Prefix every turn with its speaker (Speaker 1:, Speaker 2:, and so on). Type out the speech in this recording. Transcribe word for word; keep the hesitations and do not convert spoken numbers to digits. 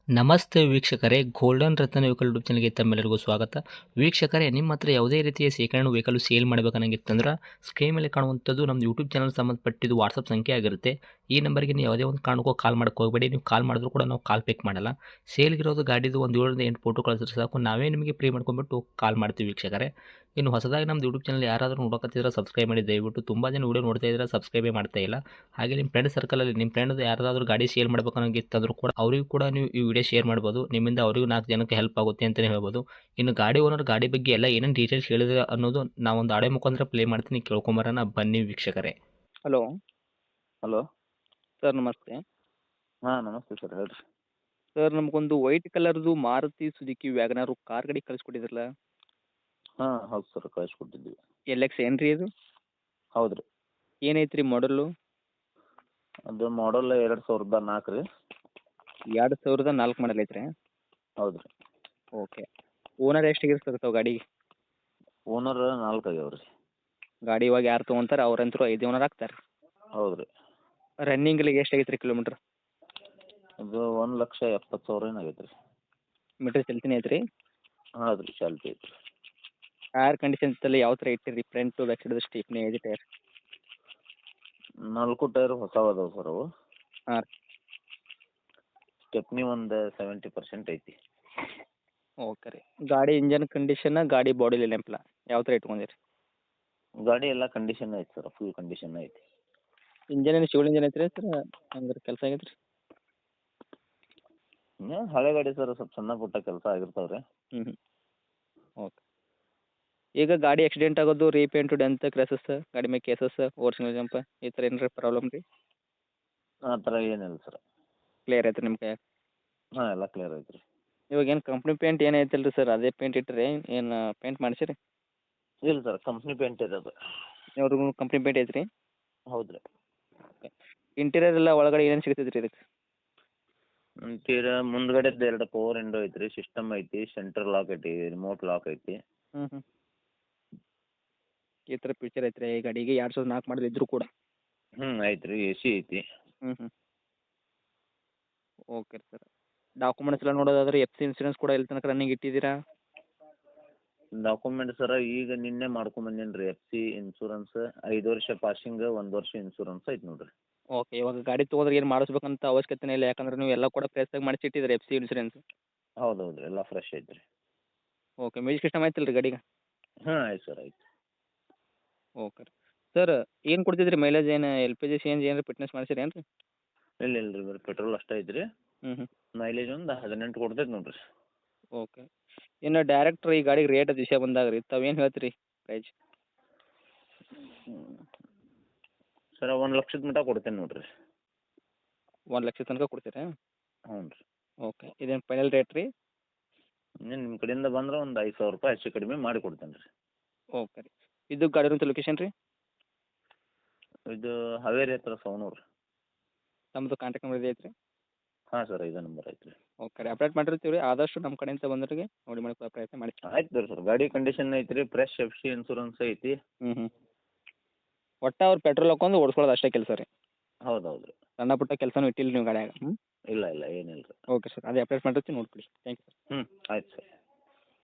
Speaker 1: ನಮಸ್ತೆ ವೀಕ್ಷಕರೇ, ಗೋಲ್ಡನ್ ರತ್ನ vehicle YouTube ಚಾನಲ್ಗೆ ತಮ್ಮೆಲ್ಲರಿಗೂ ಸ್ವಾಗತ. ವೀಕ್ಷಕರೇ, ನಿಮ್ಮ ಹತ್ರ ಯಾವುದೇ ರೀತಿಯ ಶೇಖರಣೆ ವೆಹಿಕಲ್ ಸೇಲ್ ಮಾಡಬೇಕನ್ನಂಗಿತ್ತಂದ್ರೆ ಸ್ಕ್ರೀನ್ ಮೇಲೆ ಕಾಣುವಂಥದ್ದು ನಮ್ಮ ಯೂಟ್ಯೂಬ್ ಚಾನಲ್ ಸಂಬಂಧಪಟ್ಟಿದ್ದು ವಾಟ್ಸಪ್ ಸಂಖ್ಯೆ ಆಗಿರುತ್ತೆ. ಈ ನಂಬರ್ಗೆ ನೀವು ಯಾವುದೇ ಒಂದು ಕಾರಣಕ್ಕೂ ಕಾಲ್ ಮಾಡಕ್ಕೆ ಹೋಗಬೇಡಿ. ನೀವು ಕಾಲ್ ಮಾಡಿದ್ರು ಕೂಡ ನಾವು ಕಾಲ್ ಪಿಕ್ ಮಾಡಲ್ಲ. ಸೇಲ್ಗಿರೋದು ಗಾಡಿದು ಒಂದು ಏಳರಿಂದ ಎಂಟು ಫೋಟೋ ಕಳಿಸಿದ್ರೆ ಸಾಕು, ನಾವೇ ನಿಮಗೆ ಪ್ರೀ ಮಾಡ್ಕೊಂಡ್ಬಿಟ್ಟು ಕಾಲ್ ಮಾಡ್ತೀವಿ ವೀಕ್ಷಕರೇ. ಇನ್ನು ಹೊಸದಾಗಿ ನಮ್ಮದು ಯೂಟ್ಯೂಬ್ ಚಾನಲ್ ಯಾರಾದರೂ ನೋಡೋಕತ್ತಿದ್ರೆ ಸಬ್ಸ್ಕ್ರೈಬ್ ಮಾಡಿ ದಯವಿಟ್ಟು. ತುಂಬ ಜನ ವೀಡಿಯೋ ನೋಡ್ತಾ ಇದ್ದಾರೆ, ಸಬ್ಸ್ಕ್ರೈಬೇ ಮಾಡ್ತಾ ಇಲ್ಲ. ಹಾಗೆ ನಿಮ್ಮ ಫ್ರೆಂಡ್ ಸರ್ಕಲಲ್ಲಿ ನಿಮ್ಮ ಫ್ರೆಂಡ್ ಯಾರಾದರೂ ಗಾಡಿ ಸೇಲ್ ಮಾಡಬೇಕನ್ನೋಂಗಿತ್ತಂದ್ರೂ ಕೂಡ ಅವರಿಗೂ ಕೂಡ ನೀವು ಈ ವಿಡಿಯೋ ಶೇರ್ ಮಾಡ್ಬೋದು. ನಿಮ್ಮಿಂದ ಅವರಿಗೂ ನಾಲ್ಕು ಜನಕ್ಕೆ ಹೆಲ್ಪ್ ಆಗುತ್ತೆ ಅಂತಲೇ ಹೇಳ್ಬೋದು. ಇನ್ನು ಗಾಡಿ ಓನರ್ ಗಾಡಿ ಬಗ್ಗೆ ಎಲ್ಲ ಏನೇನು ಡೀಟೇಲ್ಸ್ ಹೇಳಿದ್ರೆ ಅನ್ನೋದು ನಾವೊಂದು ಆಡೆ ಮುಖಾಂತರ ಪ್ಲೇ ಮಾಡ್ತೀನಿ, ಕೇಳ್ಕೊಂಬರೋಣ ಬನ್ನಿ ವೀಕ್ಷಕರೇ.
Speaker 2: Hello
Speaker 3: hello.
Speaker 2: ಸರ್, ನಮಸ್ತೆ.
Speaker 3: ಹಾಂ, ನಮಸ್ತೆ ಸರ್, ಹೇಳ್ರಿ.
Speaker 2: ಸರ್, ನಮಗೊಂದು ವೈಟ್ ಕಲರ್ದು ಮಾರುತಿ ಸುಜುಕಿ ವ್ಯಾಗನಾರು ಕಾರ್ ಗಾಡಿ ಕಳಿಸ್ಕೊಟ್ಟಿದ್ರಲ್ಲ,
Speaker 3: ಹಾಂ, ಹೌದು ಸರ್, ಕಳಿಸ್ಕೊಟ್ಟಿದ್ವಿ.
Speaker 2: ಎಲ್ ಎಕ್ಸ್ ಏನು ರೀ ಅದು?
Speaker 3: ಹೌದು ರೀ.
Speaker 2: ಏನೈತೆ ರೀ ಮಾಡಲು?
Speaker 3: ಅದು ಮಾಡಲ್ ಎರಡು ಸಾವಿರದ ನಾಲ್ಕು ರೀ.
Speaker 2: ಎರಡು ಸಾವಿರದ ನಾಲ್ಕು ಮಾಡಲ್ ಐತ್ರಿ?
Speaker 3: ಹೌದು ರೀ.
Speaker 2: ಓಕೆ. ಓನರ್ ಎಷ್ಟಾಗಿರ್ ಸರ್ ತಾವು ಗಾಡಿಗೆ?
Speaker 3: ಓನರ್ ನಾಲ್ಕು ಆಗ್ಯಾವ ರೀ.
Speaker 2: ಗಾಡಿ ಇವಾಗ ಯಾರು ತೊಗೊಂತಾರೆ ಅವ್ರಂತರೂ ಐದು ಓನರ್ ಆಗ್ತಾರೆ.
Speaker 3: ಹೌದು ರೀ.
Speaker 2: ರನ್ನಿಂಗ್ಲಿಗೆ ಎಷ್ಟಾಗೈತೆ ರೀ ಕಿಲೋಮೀಟ್ರ್?
Speaker 3: ಅದು ಒಂದು ಲಕ್ಷ ಎಪ್ಪತ್ತು ಸಾವಿರ ಏನು ಆಗೈತೆ ರೀ.
Speaker 2: ಮೀಟ್ರ್ ಚಲ್ತಿನೇ ಐತೆ ರೀ?
Speaker 3: ಹೌದು ರೀ, ಚಾಲ್ತಿ ಐತೆ ರೀ.
Speaker 2: ಟೈರ್ ಕಂಡೀಷನ್ಸಲ್ಲಿ ಯಾವ ಥರ ಇಟ್ಟಿರಿ? ಫ್ರಂಟು ಬ್ಯಾಕ್ ಸೈಡ್ ಸ್ಟೇಪ್ನಿ ಐದು ಟೈರ್?
Speaker 3: ನಾಲ್ಕು ಟೈರ್ ಹೊಸವು ಅದಾವೆ ಸರ್ ಅವು.
Speaker 2: ಹಾಂ.
Speaker 3: ಸ್ಟೆಪ್ನಿ ಒಂದು ಸೆವೆಂಟಿ ಪರ್ಸೆಂಟ್ ಐತಿ.
Speaker 2: ಓಕೆ ರೀ. ಗಾಡಿ ಇಂಜನ್ ಕಂಡೀಷನ್, ಗಾಡಿ ಬಾಡಿ ನೆನಪಿಲ್ಲ ಯಾವ ಥರ ಇಟ್ಕೊಂಡಿರಿ?
Speaker 3: ಗಾಡಿ ಎಲ್ಲ ಕಂಡೀಷನ್ ಐತೆ ಸರ್, ಫುಲ್ ಕಂಡೀಷನ್ ಐತಿ.
Speaker 2: ಇಂಜನ್ ಏನು ಶಿವಲ್ ಇಂಜನ್ ಐತೆ ರೀ ಸರ್? ಹಂಗಾರೆ ಕೆಲಸ ಆಗೈತೆ ರೀ?
Speaker 3: ಇನ್ನೂ ಹಳೆ ಗಾಡಿ ಸರ್, ಸ್ವಲ್ಪ ಸಣ್ಣ ಪುಟ್ಟ ಕೆಲಸ ಆಗಿರ್ತಾವೆ ರೀ.
Speaker 2: ಹ್ಞೂ ಹ್ಞೂ ಓಕೆ. ಈಗ ಗಾಡಿ ಆಕ್ಸಿಡೆಂಟ್ ಆಗೋದು, ರೀಪೇಂಟು, ಡೆಂತ್, ಕ್ರ್ಯಾಸಸ್, ಗಾಡಿ ಮೇಲೆ ಕೇಸಸ್, ಓರ್ಜಿನಲ್ ಜಂಪ್ ಈ ಥರ ಏನಾರ ಪ್ರಾಬ್ಲಮ್ ರೀ?
Speaker 3: ಆ ಥರ ಏನಿಲ್ಲ ಸರ್.
Speaker 2: ಕ್ಲಿಯರ್ ಐತೆ ನಿಮ್ಮ ಕೈಯಾಗ?
Speaker 3: ಹಾಂ, ಎಲ್ಲ ಕ್ಲಿಯರ್ ಐತೆ ರೀ.
Speaker 2: ಇವಾಗ ಏನು ಕಂಪ್ನಿ ಪೇಂಟ್ ಏನು ಐತಲ್ಲ ರೀ ಸರ್, ಅದೇ ಪೇಂಟ್ ಇಟ್ಟಿರಿ ಏನು ಪೇಂಟ್ ಮಾಡಿಸಿರಿ?
Speaker 3: ಇಲ್ಲ ಸರ್, ಕಂಪ್ನಿ ಪೇಂಟ್ ಇರೋದು.
Speaker 2: ಇವ್ರಿಗೂ ಕಂಪ್ನಿ ಪೇಂಟ್ ಐತೆ ರೀ?
Speaker 3: ಹೌದು ರೀ.
Speaker 2: ಓಕೆ. ಇಂಟೀರಿಯರ್ ಎಲ್ಲ ಒಳಗಡೆ ಏನೇನು ಸಿಗ್ತೈತೆ ರೀ ಇದಕ್ಕೆ?
Speaker 3: ತೀರಾ ಮುಂದ್ಗಡೆದ್ದು ಎರಡು ಪವರ್ ವಿಂಡೋ ಐತಿ ರೀ, ಸಿಸ್ಟಮ್ ಐತಿ, ಸೆಂಟ್ರಲ್ ಲಾಕ್ ಐತಿ, ರಿಮೋಟ್ ಲಾಕ್ ಐತಿ.
Speaker 2: ಹ್ಞೂ ಹ್ಞೂ ಈ ಥರ ಫೀಚರ್ ಐತೆ ರೀ ಈ ಗಾಡಿಗೆ? ಎರಡು ಸಾವಿರದ ನಾಲ್ಕು ಮಾಡಲ್ ಇದ್ದರೂ ಕೂಡ?
Speaker 3: ಹ್ಞೂ ಐತಿ ರೀ, ಎ ಸಿ ಐತಿ.
Speaker 2: ಹ್ಞೂ ಹ್ಞೂ ಓಕೆ ರೀ ಸರ್. ಡಾಕ್ಯುಮೆಂಟ್ಸ್ ಎಲ್ಲ ನೋಡೋದಾದ್ರೆ ಎಫ್ ಸಿ ಇನ್ಸೂರೆನ್ಸ್ ಕೂಡ ಎಲ್ಲಿ ತನಕ ರನ್ನಿಂಗ್ ಇಟ್ಟಿದ್ದೀರಾ?
Speaker 3: ಡಾಕ್ಯುಮೆಂಟ್ ಸರ ಈಗ ನಿನ್ನೆ ಮಾಡ್ಕೊಂಬಂದೇನಿ ರೀ. ಎಫ್ ಸಿ ಇನ್ಸೂರೆನ್ಸ್ ಐದು ವರ್ಷ ಪಾಸಿಂಗ್, ಒಂದು ವರ್ಷ ಇನ್ಸೂರೆನ್ಸ್ ಐತಿ ನೋಡಿರಿ.
Speaker 2: ಓಕೆ. ಇವಾಗ ಗಾಡಿ ತೊಗೊಂಡ್ರೆ ಏನು ಮಾಡಿಸ್ಬೇಕಂತ ಅವಶ್ಯಕತೆನೇ ಇಲ್ಲ, ಯಾಕಂದ್ರೆ ನೀವು ಎಲ್ಲ ಕೂಡ ಫ್ರೆಶ್ಶಾಗಿ ಮಾಡಿಸಿಟ್ಟಿದ್ದೀರಿ ಎಫ್ ಸಿ ಇನ್ಸೂರೆನ್ಸ್?
Speaker 3: ಹೌದು ಹೌದು, ಎಲ್ಲ ಫ್ರೆಶ್ ಐತಿ ರೀ.
Speaker 2: ಓಕೆ. ಮ್ಯೂಸಿಕ್ ಸಿಸ್ಟಮ್ ಐತಲ್ಲ ರೀ ಗಾಡಿಗೆ?
Speaker 3: ಹಾಂ, ಆಯ್ತು ಸರ್, ಆಯ್ತು.
Speaker 2: ಓಕೆ ರೀ. ಸರ್, ಏನು ಕೊಡ್ತೈತೆ ರೀ ಮೈಲೇಜ್? ಏನು L P G C N G ಏನಾರ ಫಿಟ್ನೆಸ್ ಮಾಡಿಸಿರಿ ಏನು ರೀ?
Speaker 3: ಇಲ್ಲ ಇಲ್ಲ ರೀ, ಬರೀ ಪೆಟ್ರೋಲ್ ಅಷ್ಟೇ ಐತಿ ರೀ.
Speaker 2: ಹ್ಞೂ ಹ್ಞೂ
Speaker 3: ಮೈಲೇಜ್ ಒಂದು ಹದಿನೆಂಟು ಕೊಡ್ತೈತೆ ನೋಡಿರಿ.
Speaker 2: ಓಕೆ. ಇನ್ನು ಡೈರೆಕ್ಟ್ ಈ ಗಾಡಿಗೆ ರೇಟ್ ವಿಷಯ ಬಂದಾಗ ರೀ ತಾವೇನು ಹೇಳ್ತೀರಿ ಪ್ರೈಸ್?
Speaker 3: ಸರ ಒಂದು ಲಕ್ಷದ ಮಟ್ಟ ಕೊಡ್ತೇನೆ ನೋಡಿರಿ.
Speaker 2: ಒಂದು ಲಕ್ಷ ತನಕ ಕೊಡ್ತೀರಾ?
Speaker 3: ಹ್ಞೂ ರೀ.
Speaker 2: ಓಕೆ. ಇದೇನು ಫೈನಲ್ ರೇಟ್ ರೀ?
Speaker 3: ಇನ್ನೇನು ನಿಮ್ಮ ಕಡೆಯಿಂದ ಬಂದ್ರೆ ಒಂದು ಐದು ಸಾವಿರ ರೂಪಾಯಿ ಹೆಚ್ಚು ಕಡಿಮೆ ಮಾಡಿ ಕೊಡ್ತೇನೆ ರೀ.
Speaker 2: ಓಕೆ ರೀ. ಇದು ಗಾಡಿ ಇರೋಂಥ ಲೊಕೇಶನ್ ರೀ?
Speaker 3: ಇದು ಹಾವೇರಿ ಹತ್ರ ಸವಣೂರು.
Speaker 2: ನಮ್ಮದು ಕಾಂಟ್ಯಾಕ್ಟ್ ನಂಬರ್ ಇದೆ ಐತ್ರಿ?
Speaker 3: ಹಾಂ ಸರ್, ಇದೇ ನಂಬರ್ ಐತೆ ರೀ.
Speaker 2: ಓಕೆ ರೀ. ಅಪ್ಡೇಟ್ ಮಾಡಿರ್ತೀವಿ ರೀ, ಆದಷ್ಟು ನಮ್ಮ ಕಡೆಯಿಂದ ಬಂದವರಿಗೆ ನೋಡಿ ಮಾಡಿ ಕೊಡೋ ಪ್ರಯತ್ನ ಮಾಡಿ.
Speaker 3: ಆಯ್ತು ರೀ ಸರ್, ಗಾಡಿ ಕಂಡೀಷನ್ ಐತಿ ರೀ, ಫ್ರೆಶ್ ಎಫ್ ಸಿ ಇನ್ಸೂರೆನ್ಸ್ ಐತಿ.
Speaker 2: ಹ್ಞೂ ಹ್ಞೂ ಒಟ್ಟು ಅವ್ರು ಪೆಟ್ರೋಲ್ ಹಾಕೊಂಡು ಓಡಿಸ್ಕೊಳ್ಳೋದು ಅಷ್ಟೇ ಕೆಲಸ ರೀ?
Speaker 3: ಹೌದು ಹೌದು ರೀ.
Speaker 2: ಸಣ್ಣ ಪುಟ್ಟ ಕೆಲಸನೂ ಇಟ್ಟಿಲ್ಲ ನೀವು ಗಾಡಿಯಾಗ? ಹ್ಞೂ
Speaker 3: ಇಲ್ಲ ಇಲ್ಲ, ಏನಿಲ್ಲ ರೀ.
Speaker 2: ಓಕೆ ಸರ್, ಅದೇ ಅಪ್ಡೇಟ್ ಮಾಡಿರ್ತೀವಿ, ನೋಡ್ಕೊಳ್ಳಿ. Thank you sir.
Speaker 3: ಹ್ಞೂ, ಆಯ್ತು ಸರ್.